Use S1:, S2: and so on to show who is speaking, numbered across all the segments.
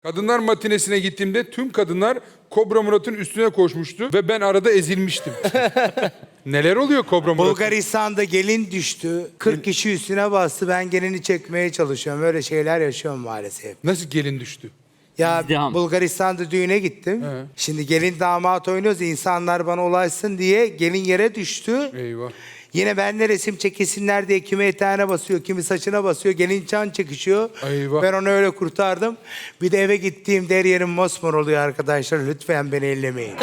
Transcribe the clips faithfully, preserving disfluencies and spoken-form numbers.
S1: Kadınlar matinesine gittiğimde tüm kadınlar Kobra Murat'ın üstüne koşmuştu ve ben arada ezilmiştim. Neler oluyor Kobra Murat?
S2: Bulgaristan'da gelin düştü. kırk kişi üstüne bastı. Ben gelini çekmeye çalışıyorum. Öyle şeyler yaşıyorum maalesef.
S1: Nasıl gelin düştü?
S2: Ya
S3: İzdiham.
S2: Bulgaristan'da düğüne gittim.
S1: He.
S2: Şimdi gelin damat oynuyoruz. İnsanlar bana ulaşsın diye gelin yere düştü.
S1: Eyvah.
S2: Yine benle resim çekilsinler diye kimi eteğine basıyor, kimi saçına basıyor. Gelin can çekişiyor.
S1: Eyvah.
S2: Ben onu öyle kurtardım. Bir de eve gittiğimde her yerim mosmor oluyor arkadaşlar. Lütfen beni ellemeyin.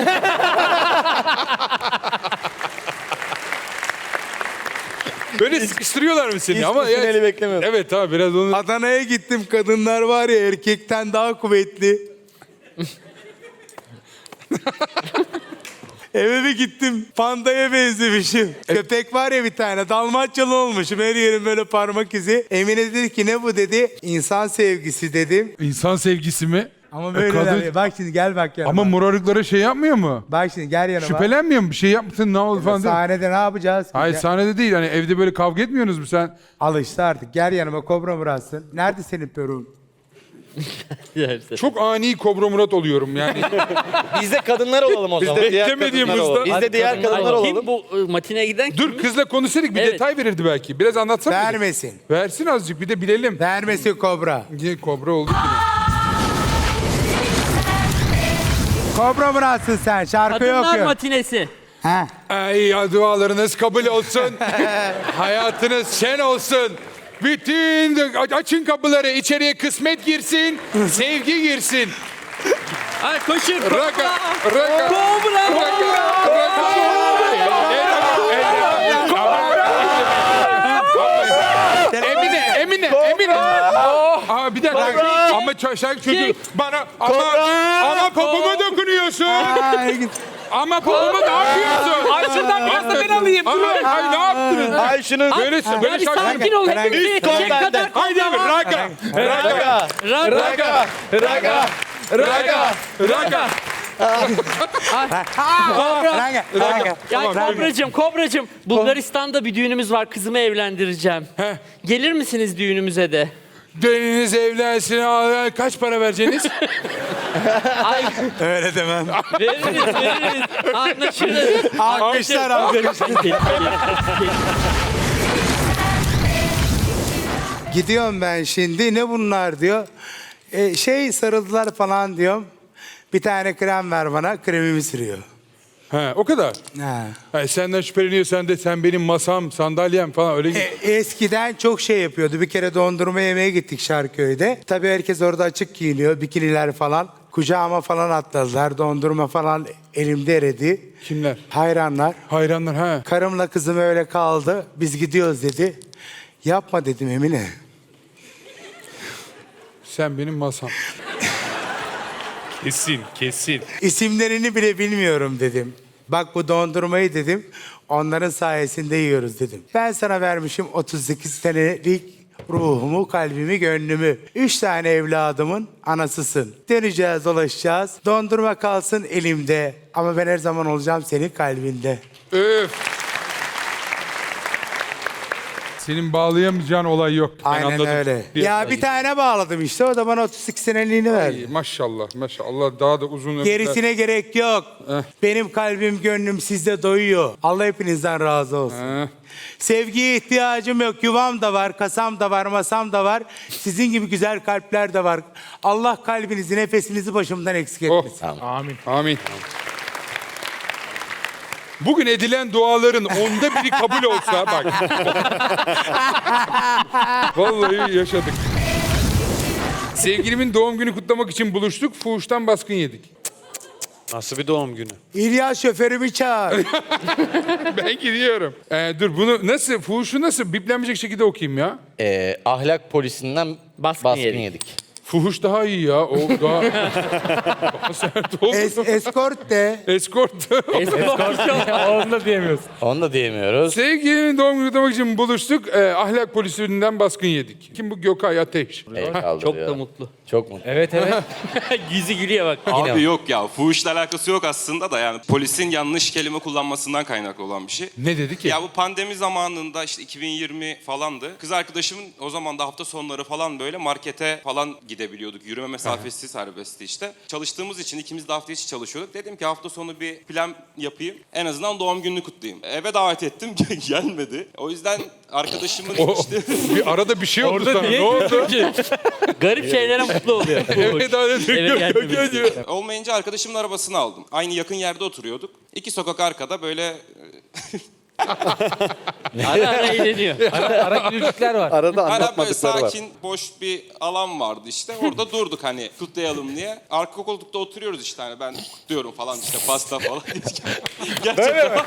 S1: Böyle sıkıştırıyorlar mı seni?
S4: Hiç
S1: Ama
S4: bu finali beklemiyordum.
S1: Evet abi biraz onu...
S2: Adana'ya gittim. Kadınlar var ya erkekten daha kuvvetli. Eve bir gittim. Pandaya benzemişim. Köpek var ya bir tane. Dalmaçyalı olmuşum. Her yerim böyle parmak izi. Emine dedi ki ne bu dedi. İnsan sevgisi dedim.
S1: İnsan sevgisi mi?
S2: Ama
S1: E,
S2: böyle
S1: kadın-
S2: der- Bak şimdi gel bak yanıma.
S1: Ama morarıklara şey yapmıyor mu?
S2: Bak şimdi gel yanıma.
S1: Şüphelenmiyor mu? Bir şey yapmışsın ne oldu falan değil mi?
S2: Sahnede ne yapacağız?
S1: Hayır
S2: Gel-
S1: sahnede değil. Hani evde böyle kavga etmiyorsunuz mu sen?
S2: Al işte artık. Gel yanıma Kobra Murat'sın. Nerede senin perun?
S1: Çok ani Kobra Murat oluyorum yani.
S4: Biz de kadınlar olalım o zaman. Diğer
S1: beklemediğim
S4: kadınlar
S1: hızda-
S4: olalım. Biz de diğer kadınlar
S3: Ay,
S4: olalım.
S3: kim bu ıı, matineye giden kim?
S1: Dur kızla konuşsaydık bir
S3: Evet.
S1: detay verirdi belki. Biraz anlatsana.
S2: Vermesin.
S1: Versin azıcık bir de bilelim.
S2: Vermesin Kobra.
S1: Niye Kobra olduk yine?
S2: Kobra Murat'sın sen. Şarkı yok
S3: Kadınlar
S2: yok.
S3: matinesi.
S2: Ha.
S1: Ay ya dualarınız kabul olsun. Hayatınız şen olsun. Bütün açın kapıları içeriye kısmet girsin, sevgi girsin.
S3: Ay koşun.
S1: Raka, raka,
S3: Kobra.
S1: raka, raka. Emine, Emine, Emine. Aa, bir dakika. Ama ç- şarkı çocuğu bana ama ama popoma dokunuyorsun.
S2: Ay,
S1: Ama popoma ne yapıyorsun?
S3: Ay şuradan biraz da ben alayım.
S1: Ay, ay ne yaptınız?
S4: Ay şunu.
S1: Böyle
S3: Ya
S1: böyle
S3: bir
S1: şarkı.
S3: sakin ol.
S2: Herhangi-
S3: Hepimizi yetecek
S4: benden.
S3: kadar.
S1: Haydi abi raga.
S4: Raga.
S3: Raga.
S4: Raga. Raga.
S1: Raga.
S2: Ranga, ranga.
S3: Ya Kobracığım, Kobracığım. Bulgaristan'da bir düğünümüz var. Kızımı evlendireceğim.
S1: Heh.
S3: Gelir misiniz düğünümüze de?
S1: Dönünüz evlensin. Aa, kaç para vereceksiniz?
S3: Ay
S2: Öyle demem.
S3: veririz, veririz. Anlaşırız.
S2: Alkışlar alkışlar. Gidiyorum ben şimdi. Ne bunlar diyor. E, şey sarıldılar falan diyorum. Bir tane krem ver bana. Kremimi sürüyor.
S1: He, o kadar.
S2: Ha.
S1: Ha, senden şüpheleniyor sen de sen benim masam, sandalyem falan öyle.
S2: E, eskiden çok şey yapıyordu. Bir kere dondurma yemeye gittik Şarköy'de. Tabii herkes orada açık giyiniyor. Bikiniler falan. Kucağıma falan atladılar. Dondurma falan elimde eridi.
S1: Kimler?
S2: Hayranlar.
S1: Hayranlar ha.
S2: Karımla kızım öyle kaldı. Biz gidiyoruz dedi. Yapma dedim Emine.
S1: Sen benim masam. Kesin, kesin.
S2: İsimlerini bile bilmiyorum dedim. Bak bu dondurmayı dedim. Onların sayesinde yiyoruz dedim. Ben sana vermişim otuz sekiz senelik ruhumu, kalbimi, gönlümü. Üç tane evladımın anasısın. Döneceğiz, dolaşacağız. Dondurma kalsın elimde. Ama ben her zaman olacağım senin kalbinde.
S1: Öf. Senin bağlayamayacağın olay yok. Ben
S2: Aynen
S1: anladım.
S2: öyle. Ya bir tane bağladım işte. O da bana otuz iki seneliğini verdi.
S1: Ay, maşallah, maşallah. Daha da uzun ömürler.
S2: Gerisine gerek yok.
S1: Eh.
S2: Benim kalbim, gönlüm sizde doyuyor. Allah hepinizden razı olsun.
S1: Eh.
S2: Sevgiye ihtiyacım yok. Yuvam da var, kasam da var, masam da var. Sizin gibi güzel kalpler de var. Allah kalbinizi, nefesinizi başımdan eksik
S1: Oh.
S2: etmesin.
S1: Amin. Amin. Bugün edilen duaların onda biri kabul olsa bak. Vallahi yaşadık. Sevgilimin doğum günü kutlamak için buluştuk. Fuhuştan baskın yedik.
S5: Nasıl bir doğum günü?
S2: İlyas şoförümü çağır.
S1: Ben gidiyorum. Ee, dur bunu nasıl, fuhuşu nasıl biplenmeyecek şekilde okuyayım ya?
S4: Ee, ahlak polisinden
S3: Baskın
S4: baskın,
S3: yedik.
S4: yedik.
S1: Fuhuş daha iyi ya. O daha, daha sert oldu.
S2: Es, eskort de.
S1: Eskort.
S5: Onu da diyemiyorsun.
S4: Onu da diyemiyoruz.
S1: Sevgilinin doğum günü kutlamak için buluştuk. Ee, ahlak polisinden baskın yedik. Kim bu? Gökay Ateş.
S4: El
S3: Çok
S4: kaldırıyor.
S3: da mutlu.
S4: Çok mutlu.
S5: Evet evet.
S3: Yüzü gülüyor bak.
S4: Yine
S6: Abi yok ya, fuhuşla alakası yok aslında da, yani polisin yanlış kelime kullanmasından kaynaklı olan bir şey.
S1: Ne dedi ki?
S6: Ya bu pandemi zamanında işte iki bin yirmi falandı. Kız arkadaşımın o zaman da hafta sonları falan böyle markete falan gidiyor. gidebiliyorduk. Yürüme mesafesi serbestti işte. Çalıştığımız için ikimiz de hafta içi çalışıyorduk. Dedim ki hafta sonu bir plan yapayım. En azından doğum gününü kutlayayım. Eve davet ettim. Gelmedi. O yüzden arkadaşımın
S1: O,
S6: işte...
S1: bir arada bir şey oldu
S5: Orada
S1: sana.
S5: niye
S1: Ne oldu?
S3: Garip şeylere mutlu oluyor.
S1: Evet abi.
S3: Eve gelmemesi.
S6: Olmayınca arkadaşımın arabasını aldım. Aynı yakın yerde oturuyorduk. İki sokak arkada böyle...
S3: Ara ara eğleniyor.
S5: Ara, ara gülücükler var.
S4: Arada
S6: Hani böyle
S4: anlatmadıkları var.
S6: sakin, boş bir alan vardı işte. Orada durduk hani kutlayalım diye. Arka koltukta oturuyoruz işte hani ben kutluyorum falan işte pasta falan. Gerçekten.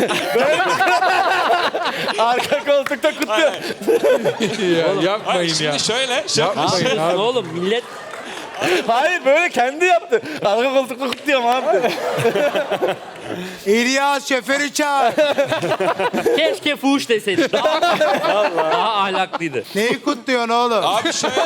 S4: Arka koltukta kutluyor.
S1: Ya,
S6: Hayır,
S1: yapmayın ya.
S6: şimdi şöyle, şöyle
S1: Yapmayın abi.
S3: Oğlum millet
S4: Hayır böyle kendi yaptı. Arka koltukta kutluyorum abi.
S2: İlyas şoförü çağır.
S3: keşke fuhuş deseydik. Daha, daha ahlaklıydı.
S2: Neyi kutluyorsun oğlum?
S6: Abi şöyle.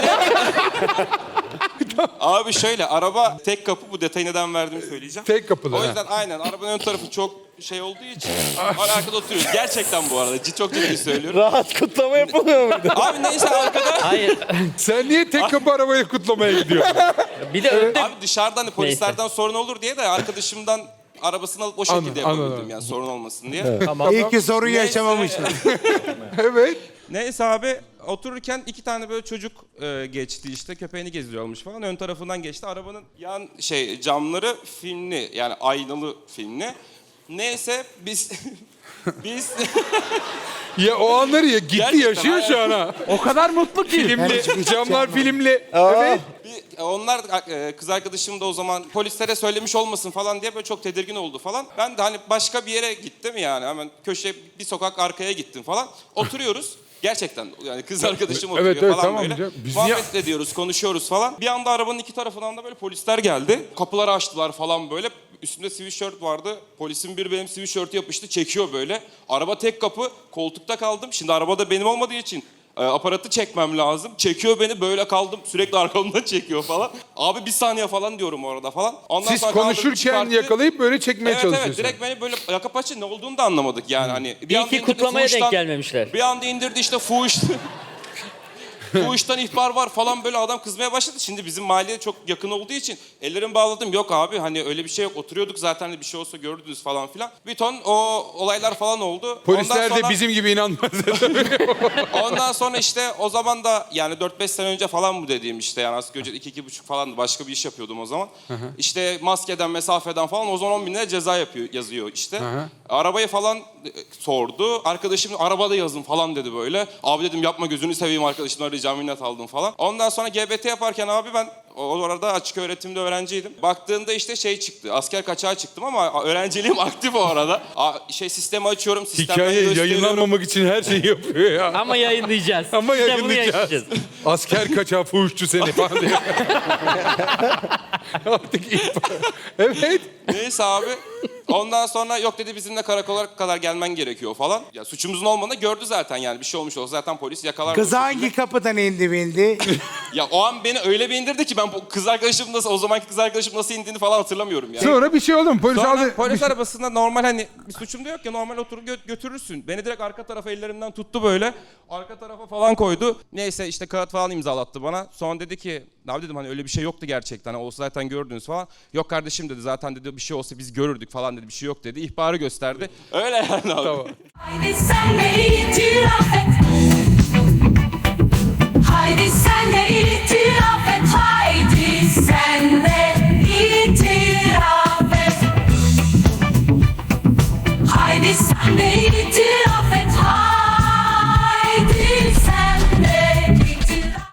S6: Abi şöyle araba tek kapı, bu detayı neden verdiğimi söyleyeceğim.
S1: Tek kapılı.
S6: O
S1: ha.
S6: yüzden aynen arabanın ön tarafı çok şey olduğu için arkada oturuyoruz. Gerçekten bu arada cid- çok ciddi söylüyorum.
S4: Rahat kutlama yapılmıyor muydu?
S6: Abi neyse arkada
S3: Hayır.
S1: Sen niye tek kapı arabayı kutlamaya gidiyorsun?
S3: Bir de önde
S6: abi dışarıdan hani polislerden sorun olur diye de arkadaşımdan arabasını alıp o şekilde
S1: Anladım,
S6: yapabildim
S1: anladım.
S6: yani sorun olmasın diye.
S2: İyi ki sorun
S6: Neyse.
S2: yaşamamışsın.
S1: Evet.
S6: Neyse abi otururken iki tane böyle çocuk e, geçti işte köpeğini gezdiriyormuş falan. Ön tarafından geçti. Arabanın yan şey camları filmli yani aynalı filmli. Neyse biz biz
S1: Ya o anları ya gitti
S6: Gerçekten
S1: yaşıyor şu an ha.
S5: O kadar mutlu ki.
S1: Filmli, camlar filmli. Evet.
S6: bir, onlar e, kız arkadaşım da o zaman polislere söylemiş olmasın falan diye böyle çok tedirgin oldu falan. Ben de hani başka bir yere gittim yani hemen köşe bir sokak arkaya gittim falan. Oturuyoruz. Gerçekten yani kız arkadaşım oturuyor
S1: Evet, evet,
S6: falan
S1: tamam
S6: böyle.
S1: canım. Biz
S6: Muhabbet ediyoruz, konuşuyoruz falan. Bir anda arabanın iki tarafından da böyle polisler geldi. Kapıları açtılar falan böyle. Üstümde sweatshirt vardı. Polisin biri benim sweatshirt'ü yapıştı, çekiyor böyle. Araba tek kapı, koltukta kaldım. Şimdi arabada benim olmadığı için e, aparatı çekmem lazım. Çekiyor beni, böyle kaldım. Sürekli arkamdan çekiyor falan. Abi bir saniye falan diyorum orada falan. Ondan
S1: Siz
S6: sonra kaldırdı,
S1: konuşurken
S6: çıkarttı.
S1: yakalayıp böyle çekmeye
S6: Evet
S1: çalışıyorsunuz.
S6: evet direkt beni böyle yaka paça ne olduğunu da anlamadık yani hani. Bir
S3: iyi
S6: anda
S3: ki
S6: indirdi,
S3: kutlamaya denk
S6: fuhuştan-
S3: gelmemişler.
S6: Bir anda indirdi işte fuhuş. Fuhuştan ihbar var falan böyle adam kızmaya başladı. Şimdi bizim mahalleye çok yakın olduğu için ellerimi bağladım. Yok abi hani öyle bir şey yok. Oturuyorduk zaten hani bir şey olsa görürdünüz falan filan. Bir ton o olaylar falan oldu.
S1: Polisler
S6: Ondan
S1: de
S6: sonra-
S1: bizim gibi inanmaz.
S6: Ondan sonra işte o zaman da yani dört beş sene önce falan bu dediğim işte yani asgari ücret iki iki buçuk falandı. Başka bir iş yapıyordum o zaman. İşte maskeden, mesafeden falan o zaman on bin lira ceza yapıyor, yazıyor işte. Arabayı falan e, sordu. Arkadaşım arabada yazın falan dedi böyle. Abi dedim yapma gözünü seveyim arkadaşımla arayacağım minnet aldım falan. Ondan sonra G B T yaparken abi ben o arada açık öğretimde öğrenciydim. Baktığında işte şey çıktı. Asker kaçağı çıktım ama öğrenciliğim aktif o arada. A, şey sistemi açıyorum. Sistemden
S1: Hikaye
S6: gösteriyorum.
S1: yayınlanmamak için her şeyi yapıyor ya.
S3: Ama yayınlayacağız.
S1: Ama
S3: Biz de bunu
S1: yayınlayacağız.
S3: yaşayacağız.
S1: Asker kaçağı fuhuşçu seni falan diye. Artık ihbar. Evet.
S6: Neyse abi. Ondan sonra yok dedi bizimle karakola kadar gelmen gerekiyor falan. Ya suçumuzun olmadığını gördü zaten yani bir şey olmuş olsa zaten polis yakalar.
S2: Kız
S6: bu
S2: hangi
S6: şekilde.
S2: kapıdan indi bindi?
S6: Ya o an beni öyle bir indirdi ki ben bu kız arkadaşım nasıl o zamanki kız arkadaşım nasıl indiğini falan hatırlamıyorum yani.
S1: Sonra bir şey oldu mu? Polis
S6: Sonra
S1: aldı.
S6: polis arabasında normal hani bir suçum da yok ya normal oturup gö- götürürsün. Beni direkt arka tarafa ellerimden tuttu böyle. Arka tarafa falan koydu. Neyse işte kağıt falan imzalattı bana. Sonra dedi ki abi dedim hani öyle bir şey yoktu gerçekten. Hani olsa zaten gördünüz falan. Yok kardeşim dedi zaten dedi bir şey olsa biz görürdük falan dedi. Bir şey yok dedi. İhbarı gösterdi. Öyle yani abi.
S1: Tamam.
S7: Haydi sen de itiraf et. Haydi sen de itiraf et. Haydi sen de itiraf et. Haydi sen de itiraf